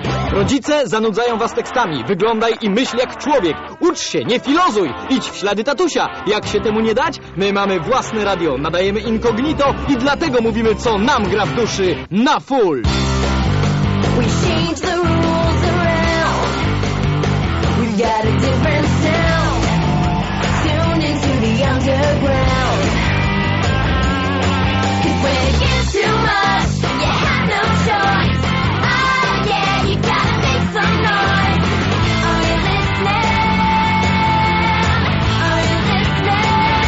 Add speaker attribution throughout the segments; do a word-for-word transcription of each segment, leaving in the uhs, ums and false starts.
Speaker 1: Rodzice zanudzają was tekstami. Wyglądaj i myśl jak człowiek. Ucz się, nie filozuj. Idź w ślady tatusia. Jak się temu nie dać? My mamy własne radio, nadajemy incognito i dlatego mówimy, co nam gra w duszy na full.
Speaker 2: We change the rules around. We've got a different sound. Tune into the underground. 'Cause when it gets too much, you have no choice. Oh yeah, you gotta make some noise. Are you listening? Are you listening?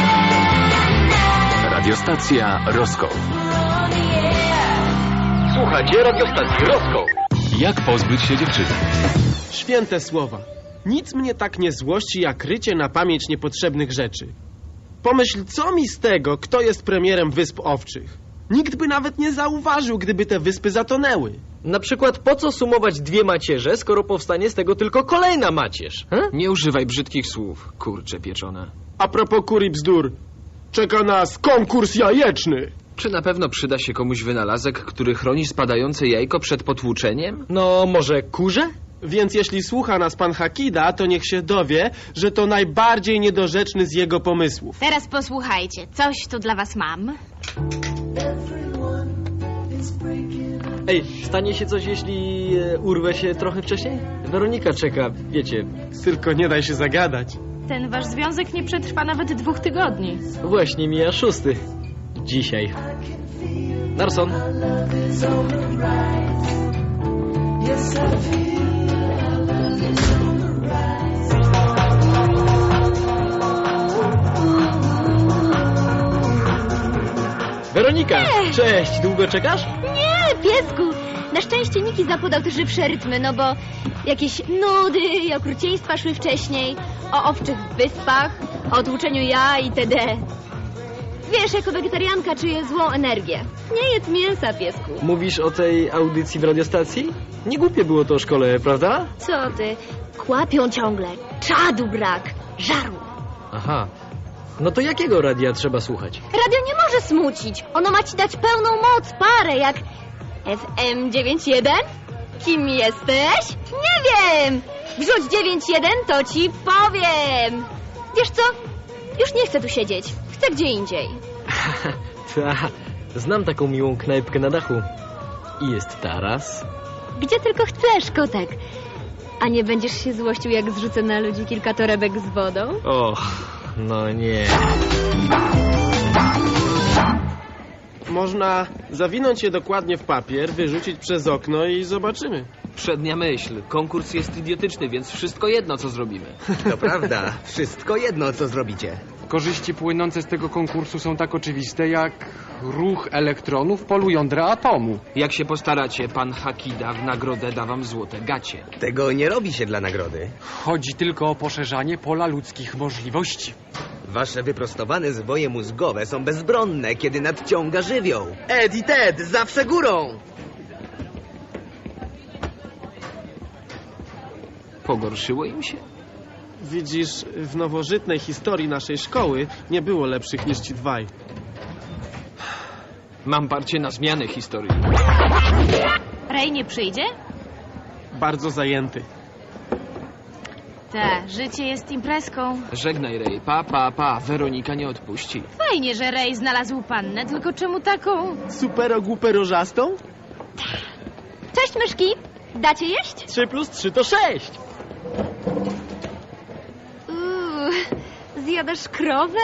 Speaker 2: Now
Speaker 3: Radiostacja Roskoł.
Speaker 2: we're on the air.
Speaker 1: Słuchajcie radiostacji Roskoł.
Speaker 3: Jak pozbyć się dziewczyny?
Speaker 4: Święte słowa. Nic mnie tak nie złości, jak rycie na pamięć niepotrzebnych rzeczy. Pomyśl, co mi z tego, kto jest premierem Wysp Owczych. Nikt by nawet nie zauważył, gdyby te wyspy zatonęły.
Speaker 1: Na przykład po co sumować dwie macierze, skoro powstanie z tego tylko kolejna macierz? He?
Speaker 5: Nie używaj brzydkich słów, kurcze pieczone.
Speaker 4: A propos kur i bzdur, czeka nas konkurs jajeczny.
Speaker 5: Czy na pewno przyda się komuś wynalazek, który chroni spadające jajko przed potłuczeniem?
Speaker 1: No może kurze?
Speaker 4: Więc jeśli słucha nas pan Hakida, to niech się dowie, że to najbardziej niedorzeczny z jego pomysłów.
Speaker 6: Teraz posłuchajcie, coś tu dla was mam.
Speaker 1: Ej, stanie się coś, jeśli e, urwę się trochę wcześniej? Weronika czeka, wiecie.
Speaker 4: Tylko nie daj się zagadać.
Speaker 6: Ten wasz związek nie przetrwa nawet dwóch tygodni.
Speaker 1: Właśnie mija szósty. Dzisiaj. Narson. Weronika, cześć, długo czekasz?
Speaker 7: Nie, piesku! Na szczęście Niki zapodał te żywsze rytmy, no bo jakieś nudy i okrucieństwa szły wcześniej. O owczych wyspach, o tłuczeniu ja itd. Wiesz, jako wegetarianka czuję złą energię. Nie jedz mięsa, piesku.
Speaker 1: Mówisz o tej audycji w radiostacji? Nie głupie było to o szkole, prawda?
Speaker 7: Co ty? Kłapią ciągle. Czadu brak. Żaru.
Speaker 1: Aha. No to jakiego radia trzeba słuchać?
Speaker 7: Radio nie może smucić. Ono ma ci dać pełną moc, parę, jak F M dziewięć jeden? Kim jesteś? Nie wiem! Wrzuć dziewięć jeden, to ci powiem. Wiesz co? Już nie chcę tu siedzieć. Chcę gdzie indziej.
Speaker 1: Ta, znam taką miłą knajpkę na dachu. I jest taras.
Speaker 7: Gdzie tylko chcesz, kotek. A nie będziesz się złościł, jak zrzucę na ludzi kilka torebek z wodą?
Speaker 1: Och, no nie.
Speaker 4: Można zawinąć je dokładnie w papier, wyrzucić przez okno i zobaczymy.
Speaker 5: Przednia myśl. Konkurs jest idiotyczny, więc wszystko jedno, co zrobimy.
Speaker 8: To prawda, wszystko jedno, co zrobicie.
Speaker 9: Korzyści płynące z tego konkursu są tak oczywiste, jak ruch elektronów polu jądra atomu.
Speaker 5: Jak się postaracie, pan Hakida w nagrodę da wam złote gacie.
Speaker 8: Tego nie robi się dla nagrody.
Speaker 9: Chodzi tylko o poszerzanie pola ludzkich możliwości.
Speaker 8: Wasze wyprostowane zwoje mózgowe są bezbronne, kiedy nadciąga żywioł. Ed i Ted, zawsze górą!
Speaker 5: Pogorszyło im się?
Speaker 4: Widzisz, w nowożytnej historii naszej szkoły nie było lepszych niż ci dwaj.
Speaker 5: Mam parcie na zmianę historii.
Speaker 6: Ray nie przyjdzie?
Speaker 4: Bardzo zajęty.
Speaker 6: Tak, życie jest imprezką.
Speaker 5: Żegnaj, Ray. Pa, pa, pa. Weronika nie odpuści.
Speaker 6: Fajnie, że Ray znalazł pannę, tylko czemu taką?
Speaker 4: Supero głuperożastą?
Speaker 7: Cześć, myszki. Dacie jeść?
Speaker 1: Trzy plus trzy to sześć.
Speaker 7: Uuu, zjadasz krowę?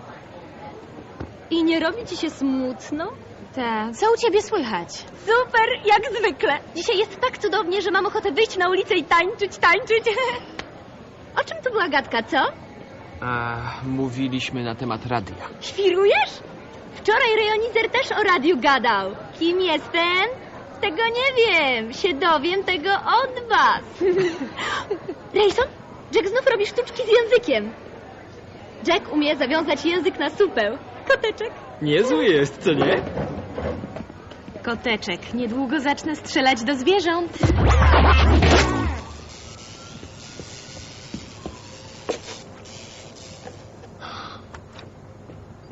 Speaker 7: I nie robi ci się smutno?
Speaker 6: Tak, co u ciebie słychać?
Speaker 7: Super, jak zwykle. Dzisiaj jest tak cudownie, że mam ochotę wyjść na ulicę i tańczyć, tańczyć. O czym to była gadka, co?
Speaker 5: A, mówiliśmy na temat radia.
Speaker 7: Świrujesz? Wczoraj rejonizer też o radiu gadał. Kim jestem? Tego nie wiem. Się dowiem tego od was. Rayson, Jack znów robi sztuczki z językiem. Jack umie zawiązać język na supeł. Koteczek.
Speaker 1: Niezły jest, co nie?
Speaker 6: Koteczek, niedługo zacznę strzelać do zwierząt.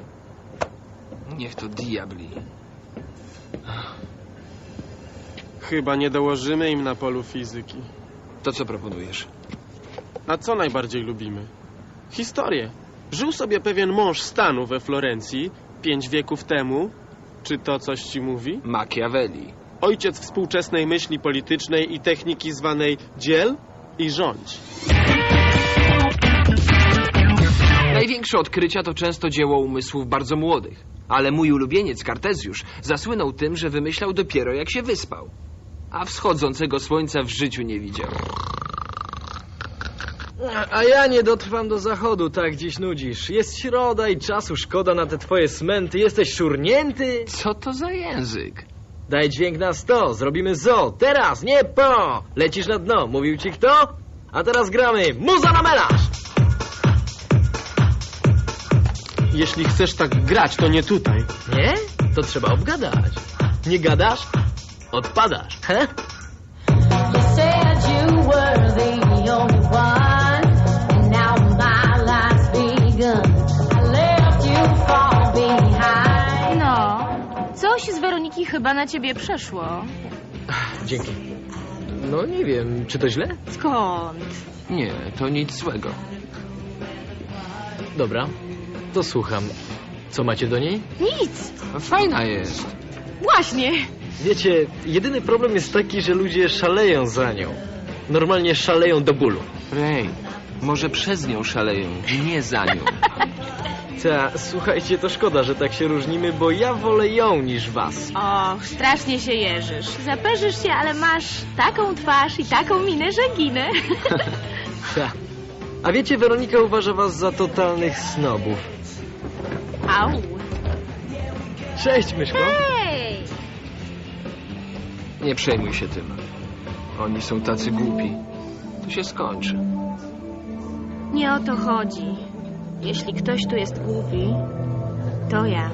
Speaker 5: Niech to diabli.
Speaker 4: Chyba nie dołożymy im na polu fizyki.
Speaker 5: To co proponujesz?
Speaker 4: A co najbardziej lubimy? Historię. Żył sobie pewien mąż stanu we Florencji pięć wieków temu. Czy to coś ci mówi?
Speaker 5: Machiavelli.
Speaker 4: Ojciec współczesnej myśli politycznej i techniki zwanej dziel i rządź.
Speaker 5: Największe odkrycia to często dzieło umysłów bardzo młodych. Ale mój ulubieniec Kartezjusz zasłynął tym, że wymyślał dopiero jak się wyspał. A wschodzącego słońca w życiu nie widział.
Speaker 1: A ja nie dotrwam do zachodu, tak dziś nudzisz. Jest środa i czasu szkoda na te twoje smęty. Jesteś szurnięty?
Speaker 5: Co to za język?
Speaker 1: Daj dźwięk na sto, zrobimy zo. Teraz, nie po! Lecisz na dno, mówił ci kto? A teraz gramy muza na melarz!
Speaker 4: Jeśli chcesz tak grać, to nie tutaj.
Speaker 1: Nie? To trzeba obgadać. Nie gadasz? Odpadasz, he?
Speaker 2: You said you were the only one, and now my life's begun. I left you far behind.
Speaker 6: No, coś z Weroniki chyba na ciebie przeszło.
Speaker 1: Dzięki. No nie wiem, czy to źle?
Speaker 6: Skąd?
Speaker 5: Nie, to nic złego.
Speaker 1: Dobra, to słucham. Co macie do niej?
Speaker 6: Nic.
Speaker 5: Fajna jest.
Speaker 6: Właśnie.
Speaker 1: Wiecie, jedyny problem jest taki, że ludzie szaleją za nią. Normalnie szaleją do bólu.
Speaker 5: Ray, może przez nią szaleją, nie za nią.
Speaker 1: Ta, słuchajcie, to szkoda, że tak się różnimy, bo ja wolę ją niż was.
Speaker 6: Och, strasznie się jeżysz. Zaperzysz się, ale masz taką twarz i taką minę, że ginę.
Speaker 1: Ta. A wiecie, Weronika uważa was za totalnych snobów.
Speaker 6: Au.
Speaker 1: Cześć, myszko.
Speaker 6: Hej!
Speaker 5: Nie przejmuj się tym. Oni są tacy głupi. To się skończy.
Speaker 6: Nie o to chodzi. Jeśli ktoś tu jest głupi, to ja.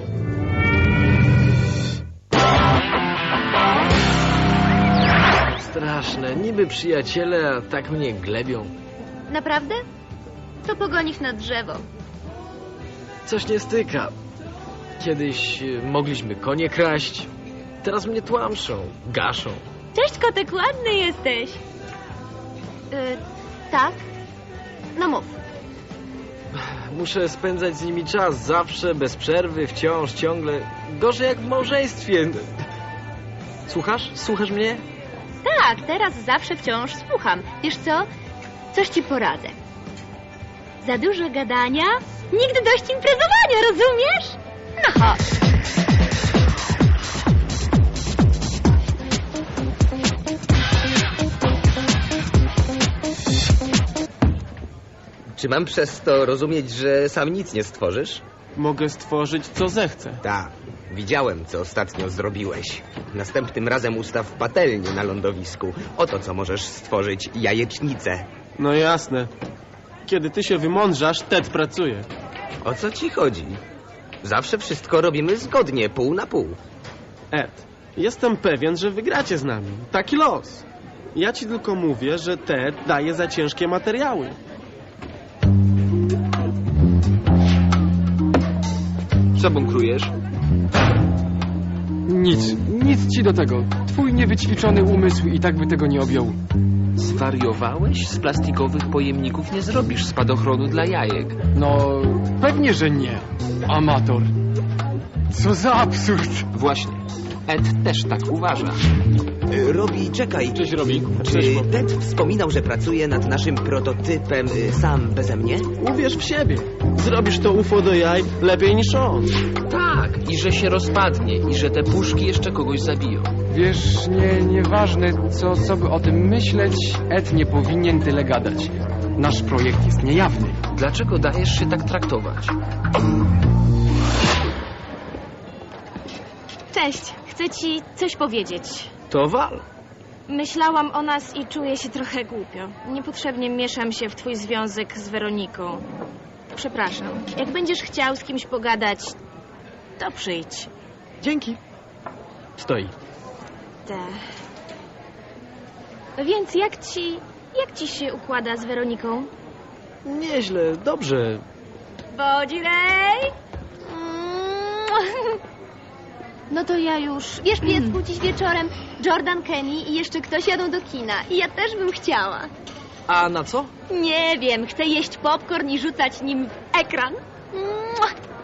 Speaker 1: Straszne, niby przyjaciele, a tak mnie glebią.
Speaker 7: Naprawdę? To pogonisz na drzewo.
Speaker 1: Coś nie styka. Kiedyś y, mogliśmy konie kraść, teraz mnie tłamszą, gaszą.
Speaker 6: Cześć, kotek, ładny jesteś.
Speaker 7: Yy, tak? No mów.
Speaker 1: Muszę spędzać z nimi czas zawsze, bez przerwy, wciąż, ciągle. Gorzej jak w małżeństwie. Słuchasz? Słuchasz mnie?
Speaker 7: Tak, teraz zawsze wciąż słucham. Wiesz co? Coś ci poradzę. Za dużo gadania, nigdy dość imprezowania, rozumiesz? No chodź.
Speaker 8: Czy mam przez to rozumieć, że sam nic nie stworzysz?
Speaker 4: Mogę stworzyć, co zechcę.
Speaker 8: Tak, widziałem, co ostatnio zrobiłeś. Następnym razem ustaw patelnię na lądowisku. Oto co możesz stworzyć, jajecznicę.
Speaker 4: No jasne. Kiedy ty się wymądrzasz, Ted pracuje.
Speaker 8: O co ci chodzi? Zawsze wszystko robimy zgodnie, pół na pół.
Speaker 4: Ed, jestem pewien, że wygracie z nami. Taki los. Ja ci tylko mówię, że Ted daje za ciężkie materiały.
Speaker 5: Co bunkrujesz?
Speaker 9: Nic, nic ci do tego. Twój niewyćwiczony umysł i tak by tego nie objął.
Speaker 5: Zwariowałeś? Z plastikowych pojemników nie zrobisz spadochronu dla jajek.
Speaker 9: No, pewnie, że nie. Amator. Co za absurd.
Speaker 5: Właśnie. Ed też tak uważa.
Speaker 8: Y, Robi, czekaj.
Speaker 1: Cześć, Robi.
Speaker 8: Czy Ted wspominał, że pracuje nad naszym prototypem y, sam beze mnie?
Speaker 4: Uwierz w siebie. Zrobisz to U F O do jaj lepiej niż on.
Speaker 5: Tak, i że się rozpadnie, i że te puszki jeszcze kogoś zabiją.
Speaker 9: Wiesz, nie, nieważne, co, co by o tym myśleć, Ed nie powinien tyle gadać. Nasz projekt jest niejawny.
Speaker 5: Dlaczego dajesz się tak traktować?
Speaker 6: Cześć, chcę ci coś powiedzieć.
Speaker 1: To wal.
Speaker 6: Myślałam o nas i czuję się trochę głupio. Niepotrzebnie mieszam się w twój związek z Weroniką. Przepraszam. Jak będziesz chciał z kimś pogadać, to przyjdź.
Speaker 1: Dzięki. Stoi.
Speaker 6: Te. Więc jak ci... jak ci się układa z Weroniką?
Speaker 1: Nieźle, dobrze.
Speaker 6: Bodzi Rej! No to ja już...
Speaker 7: Wiesz, piesku, dziś wieczorem Jordan, Kenny i jeszcze ktoś jadą do kina. I ja też bym chciała.
Speaker 1: A na co?
Speaker 7: Nie wiem, chcę jeść popcorn i rzucać nim w ekran. Mua!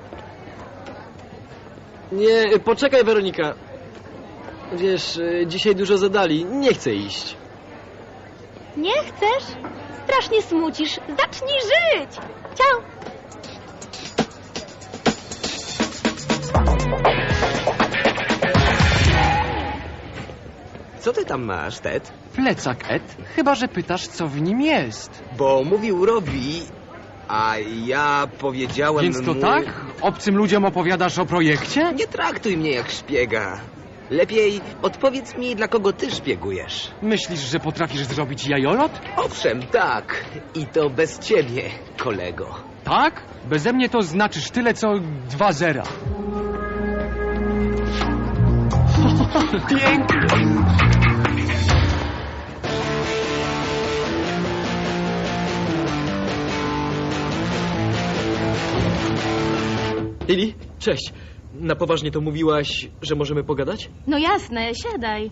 Speaker 1: Nie, poczekaj, Weronika. Wiesz, y, dzisiaj dużo zadali. Nie chcę iść.
Speaker 7: Nie chcesz? Strasznie smucisz. Zacznij żyć! Ciao!
Speaker 8: Co ty tam masz, Ted?
Speaker 9: Plecak, Ed. Chyba że pytasz, co w nim jest.
Speaker 8: Bo mówił Robi, a ja powiedziałem
Speaker 9: Więc to
Speaker 8: mu...
Speaker 9: tak? Obcym ludziom opowiadasz o projekcie?
Speaker 8: Nie traktuj mnie jak szpiega. Lepiej odpowiedz mi, dla kogo ty szpiegujesz.
Speaker 9: Myślisz, że potrafisz zrobić jajolot?
Speaker 8: Owszem, tak. I to bez ciebie, kolego.
Speaker 9: Tak? Beze mnie to znaczysz tyle, co dwa zera.
Speaker 8: Pięknie.
Speaker 1: Lili, cześć. Na poważnie to mówiłaś, że możemy pogadać?
Speaker 6: No jasne, siadaj.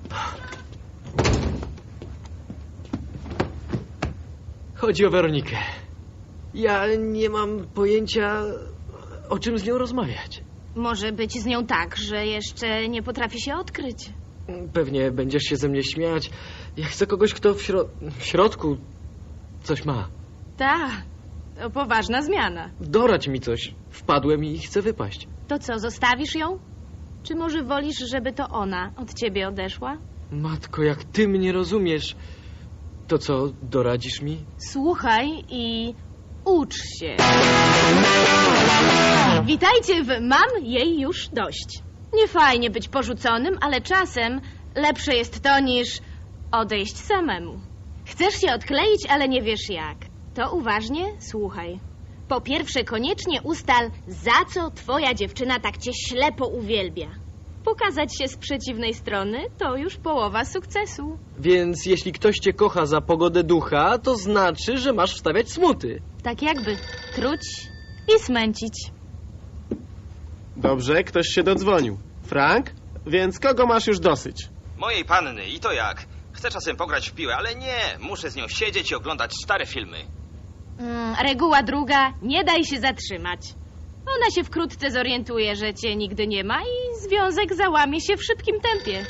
Speaker 1: Chodzi o Weronikę. Ja nie mam pojęcia, o czym z nią rozmawiać.
Speaker 6: Może być z nią tak, że jeszcze nie potrafi się odkryć.
Speaker 1: Pewnie będziesz się ze mnie śmiać. Ja chcę kogoś, kto w, śro w środku coś ma.
Speaker 6: Ta, to poważna zmiana.
Speaker 1: Doradź mi coś. Wpadłem i chcę wypaść.
Speaker 6: To co, zostawisz ją? Czy może wolisz, żeby to ona od ciebie odeszła?
Speaker 1: Matko, jak ty mnie rozumiesz, to co, doradzisz mi?
Speaker 6: Słuchaj i ucz się. Witajcie w Mam jej już dość. Nie fajnie być porzuconym, ale czasem lepsze jest to niż odejść samemu. Chcesz się odkleić, ale nie wiesz jak. To uważnie słuchaj. Po pierwsze, koniecznie ustal, za co twoja dziewczyna tak cię ślepo uwielbia. Pokazać się z przeciwnej strony to już połowa sukcesu.
Speaker 1: Więc jeśli ktoś cię kocha za pogodę ducha, to znaczy, że masz wstawiać smuty.
Speaker 6: Tak jakby truć i smęcić.
Speaker 4: Dobrze, ktoś się dodzwonił. Frank? Więc kogo masz już dosyć?
Speaker 10: Mojej panny i to jak? Chcę czasem pograć w piłę, ale nie. Muszę z nią siedzieć i oglądać stare filmy.
Speaker 6: Mm, reguła druga, nie daj się zatrzymać. Ona się wkrótce zorientuje, że cię nigdy nie ma i związek załamie się w szybkim tempie.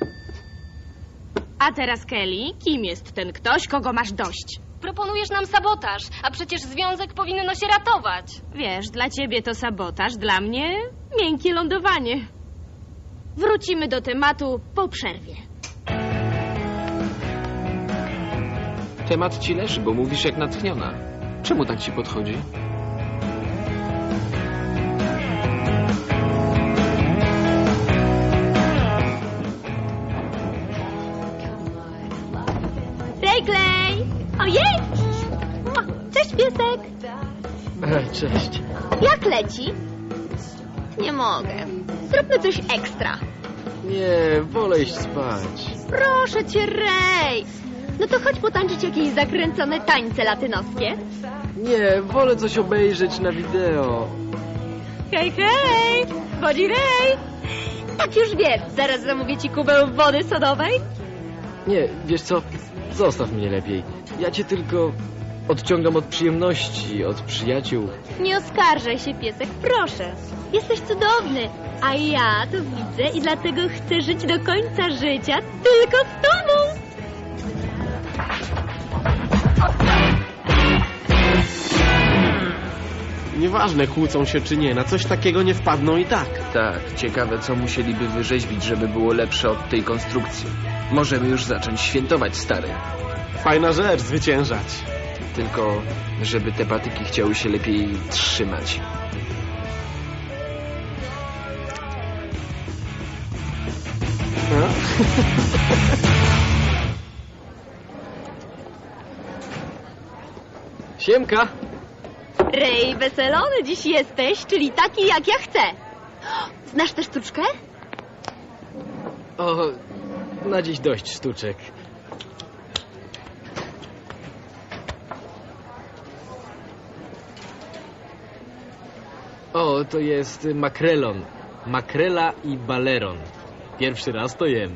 Speaker 6: A teraz, Kelly, kim jest ten ktoś, kogo masz dość?
Speaker 7: Proponujesz nam sabotaż, a przecież związek powinno się ratować.
Speaker 6: Wiesz, dla ciebie to sabotaż, dla mnie miękkie lądowanie. Wrócimy do tematu po przerwie.
Speaker 5: Temat ci leży, bo mówisz jak natchniona. Czemu tak ci podchodzi?
Speaker 7: Ray Clay! Ojej! Mua! Cześć, piesek!
Speaker 1: E, cześć.
Speaker 7: Jak leci? Nie mogę. Zróbmy coś ekstra.
Speaker 1: Nie, wolę iść spać.
Speaker 7: Proszę cię, Ray! No to chodź potańczyć jakieś zakręcone tańce latynoskie.
Speaker 1: Nie, wolę coś obejrzeć na wideo.
Speaker 7: Hej, hej! Wodzi Ray! Tak już wiem, zaraz zamówię ci kubę wody sodowej.
Speaker 1: Nie, wiesz co? Zostaw mnie lepiej. Ja cię tylko odciągam od przyjemności, od przyjaciół.
Speaker 7: Nie oskarżaj się, piesek, proszę. Jesteś cudowny, a ja to widzę i dlatego chcę żyć do końca życia tylko z tobą.
Speaker 4: Nieważne, kłócą się czy nie, na coś takiego nie wpadną i tak.
Speaker 5: Tak, ciekawe co musieliby wyrzeźbić, żeby było lepsze od tej konstrukcji. Możemy już zacząć świętować, stary.
Speaker 4: Fajna rzecz, zwyciężać.
Speaker 5: Tylko, żeby te patyki chciały się lepiej trzymać.
Speaker 4: No?
Speaker 1: Siemka!
Speaker 7: Ray, weselony dziś jesteś, czyli taki jak ja chcę. Znasz tę sztuczkę?
Speaker 1: O, na dziś dość sztuczek. O, to jest makrelon. Makrela i baleron. Pierwszy raz to jem.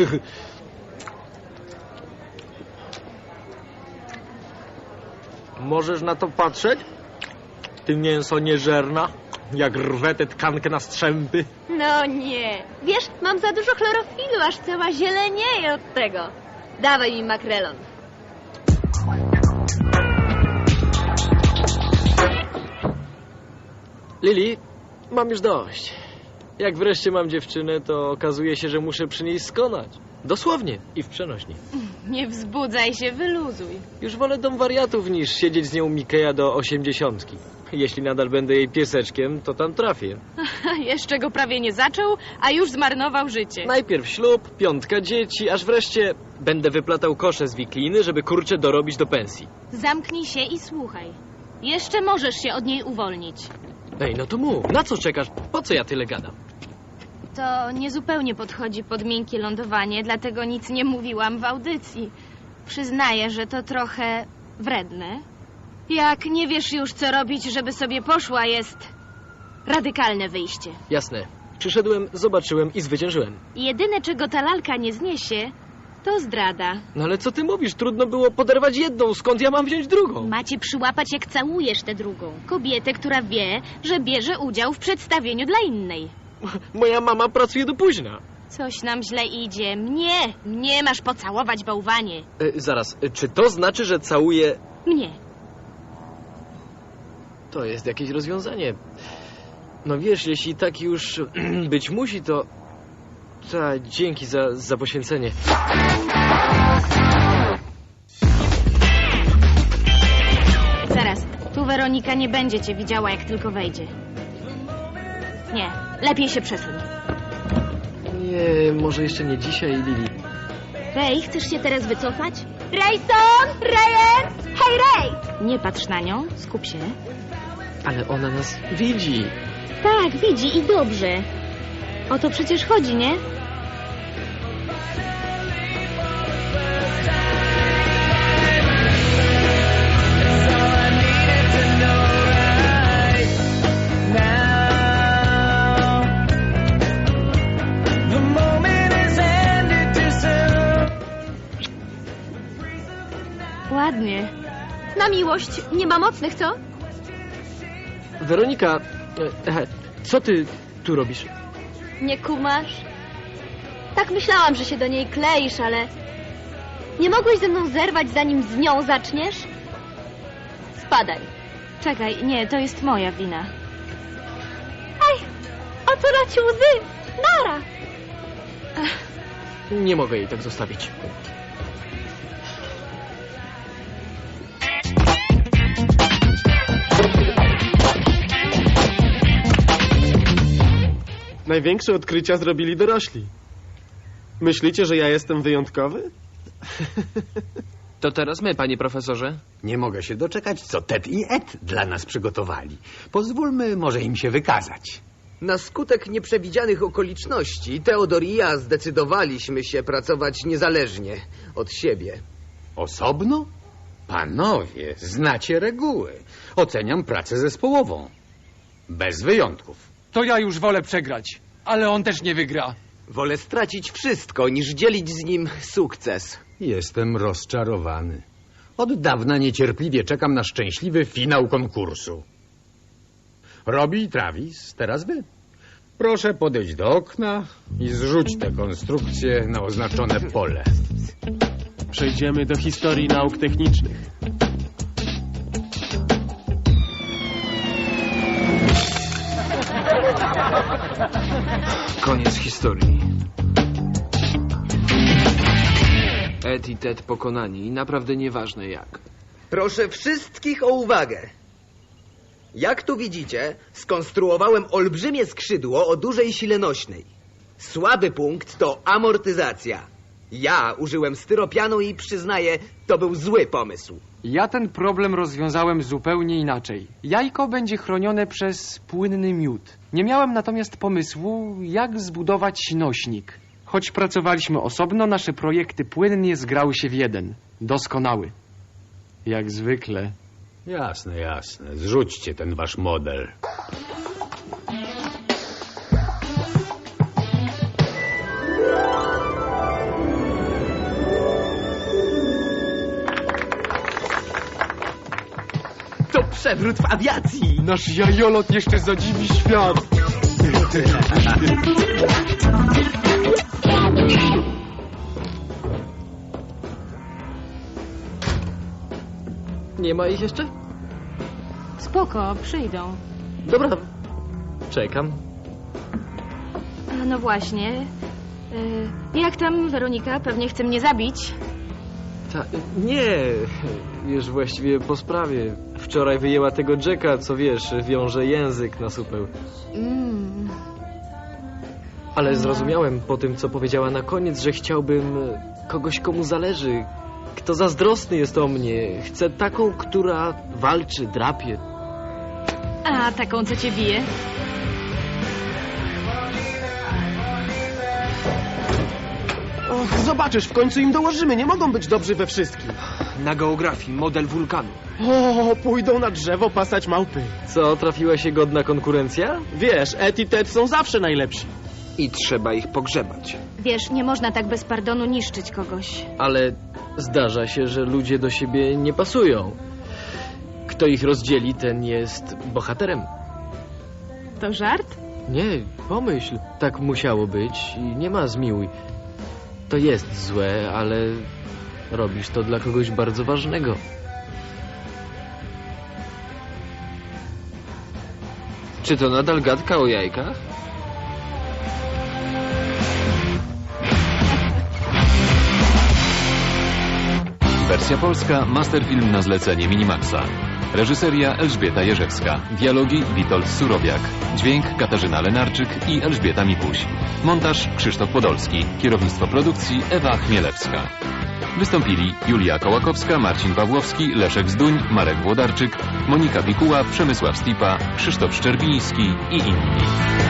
Speaker 1: Możesz na to patrzeć? Ty mięso nieżerna, jak rwę tę tkankę na strzępy.
Speaker 7: No nie. Wiesz, mam za dużo chlorofilu, aż cała zielenieje od tego. Dawaj mi makrelon.
Speaker 1: Lili, mam już dość. Jak wreszcie mam dziewczynę, to okazuje się, że muszę przy niej skonać. Dosłownie i w przenośni.
Speaker 6: Nie wzbudzaj się, wyluzuj.
Speaker 1: Już wolę dom wariatów niż siedzieć z nią Mikeja do osiemdziesiątki. Jeśli nadal będę jej pieseczkiem, to tam trafię.
Speaker 6: Jeszcze go prawie nie zaczął, a już zmarnował życie.
Speaker 1: Najpierw ślub, piątka dzieci, aż wreszcie będę wyplatał kosze z wikliny, żeby kurczę dorobić do pensji.
Speaker 6: Zamknij się i słuchaj. Jeszcze możesz się od niej uwolnić.
Speaker 1: Ej, no to mów, na co czekasz? Po co ja tyle gadam?
Speaker 6: To niezupełnie podchodzi pod miękkie lądowanie, dlatego nic nie mówiłam w audycji. Przyznaję, że to trochę wredne. Jak nie wiesz już, co robić, żeby sobie poszła, jest radykalne wyjście.
Speaker 1: Jasne. Przyszedłem, zobaczyłem i zwyciężyłem.
Speaker 6: Jedyne, czego ta lalka nie zniesie, to zdrada.
Speaker 1: No ale co ty mówisz? Trudno było poderwać jedną, skąd ja mam wziąć drugą?
Speaker 6: Macie przyłapać, jak całujesz tę drugą. Kobietę, która wie, że bierze udział w przedstawieniu dla innej.
Speaker 1: Moja mama pracuje do późna.
Speaker 6: Coś nam źle idzie. Mnie, mnie masz pocałować, bałwanie.
Speaker 1: E, zaraz, e, czy to znaczy, że całuję...
Speaker 6: Mnie.
Speaker 1: To jest jakieś rozwiązanie. No wiesz, jeśli tak już być musi, to... Ta, dzięki za, za poświęcenie.
Speaker 6: Zaraz, tu Weronika nie będzie cię widziała, jak tylko wejdzie. Nie, lepiej się przesuń.
Speaker 1: Nie, może jeszcze nie dzisiaj, Lili.
Speaker 6: Rej, chcesz się teraz wycofać?
Speaker 7: Rayson! Ryan! Hej, Ray!
Speaker 6: Nie patrz na nią, skup się.
Speaker 1: Ale ona nas widzi.
Speaker 6: Tak, widzi i dobrze. O to przecież chodzi, nie? Ładnie.
Speaker 7: Na miłość nie ma mocnych, co?
Speaker 1: Weronika, e, e, co ty tu robisz?
Speaker 7: Nie kumasz? Tak myślałam, że się do niej kleisz, ale... Nie mogłeś ze mną zerwać, zanim z nią zaczniesz? Spadaj.
Speaker 6: Czekaj, nie, to jest moja wina.
Speaker 7: Ej, otula ci łzy! Nara!
Speaker 1: Nie mogę jej tak zostawić.
Speaker 4: Największe odkrycia zrobili dorośli. Myślicie, że ja jestem wyjątkowy?
Speaker 5: To teraz my, panie profesorze.
Speaker 11: Nie mogę się doczekać, co Ted i Ed dla nas przygotowali. Pozwólmy może im się wykazać.
Speaker 8: Na skutek nieprzewidzianych okoliczności Teodor i ja zdecydowaliśmy się pracować niezależnie od siebie.
Speaker 11: Osobno? Panowie, znacie reguły. Oceniam pracę zespołową. Bez wyjątków.
Speaker 9: To ja już wolę przegrać, ale on też nie wygra.
Speaker 8: Wolę stracić wszystko, niż dzielić z nim sukces.
Speaker 11: Jestem rozczarowany. Od dawna niecierpliwie czekam na szczęśliwy finał konkursu. Robi i Travis, teraz wy. Proszę podejść do okna i zrzuć tę konstrukcję na oznaczone pole.
Speaker 4: Przejdziemy do historii nauk technicznych.
Speaker 5: Koniec historii. Ed i Ted pokonani i naprawdę nieważne jak.
Speaker 8: Proszę wszystkich o uwagę. Jak tu widzicie, skonstruowałem olbrzymie skrzydło o dużej sile nośnej. Słaby punkt to amortyzacja. Ja użyłem styropianu i przyznaję, to był zły pomysł.
Speaker 9: Ja ten problem rozwiązałem zupełnie inaczej. Jajko będzie chronione przez płynny miód. Nie miałem natomiast pomysłu, jak zbudować nośnik. Choć pracowaliśmy osobno, nasze projekty płynnie zgrały się w jeden. Doskonały. Jak zwykle.
Speaker 11: Jasne, jasne. Zrzućcie ten wasz model.
Speaker 8: przewrót w awiacji.
Speaker 9: Nasz jajolot jeszcze zadziwi świat.
Speaker 1: Nie ma ich jeszcze?
Speaker 6: Spoko, przyjdą.
Speaker 1: Dobra, czekam.
Speaker 6: A, no właśnie. Y, jak tam Weronika? Pewnie chce mnie zabić.
Speaker 1: Ta, nie, już właściwie po sprawie. Wczoraj wyjęła tego Jacka, co wiesz, wiąże język na supeł.
Speaker 6: Mm.
Speaker 1: Ale zrozumiałem po tym, co powiedziała na koniec, że chciałbym kogoś, komu zależy. Kto zazdrosny jest o mnie. Chcę taką, która walczy, drapie.
Speaker 6: A, taką, co cię bije?
Speaker 4: Och, zobaczysz, w końcu im dołożymy. Nie mogą być dobrzy we wszystkim.
Speaker 5: Na geografii model wulkanu.
Speaker 4: O, pójdą na drzewo pasać małpy.
Speaker 1: Co, trafiła się godna konkurencja?
Speaker 4: Wiesz, Ed i Ted są zawsze najlepsi.
Speaker 5: I trzeba ich pogrzebać.
Speaker 6: Wiesz, nie można tak bez pardonu niszczyć kogoś.
Speaker 1: Ale zdarza się, że ludzie do siebie nie pasują. Kto ich rozdzieli, ten jest bohaterem.
Speaker 6: To żart?
Speaker 1: Nie, pomyśl. Tak musiało być i nie ma zmiłuj. To jest złe, ale robisz to dla kogoś bardzo ważnego.
Speaker 5: Czy to nadal gadka o jajkach?
Speaker 3: Wersja polska, masterfilm na zlecenie Minimaxa. Reżyseria Elżbieta Jerzewska. Dialogi Witold Surowiak. Dźwięk Katarzyna Lenarczyk i Elżbieta Mikuś. Montaż Krzysztof Podolski. Kierownictwo produkcji Ewa Chmielewska. Wystąpili Julia Kołakowska, Marcin Pawłowski, Leszek Zduń, Marek Włodarczyk, Monika Pikuła, Przemysław Stipa, Krzysztof Szczerbiński i inni.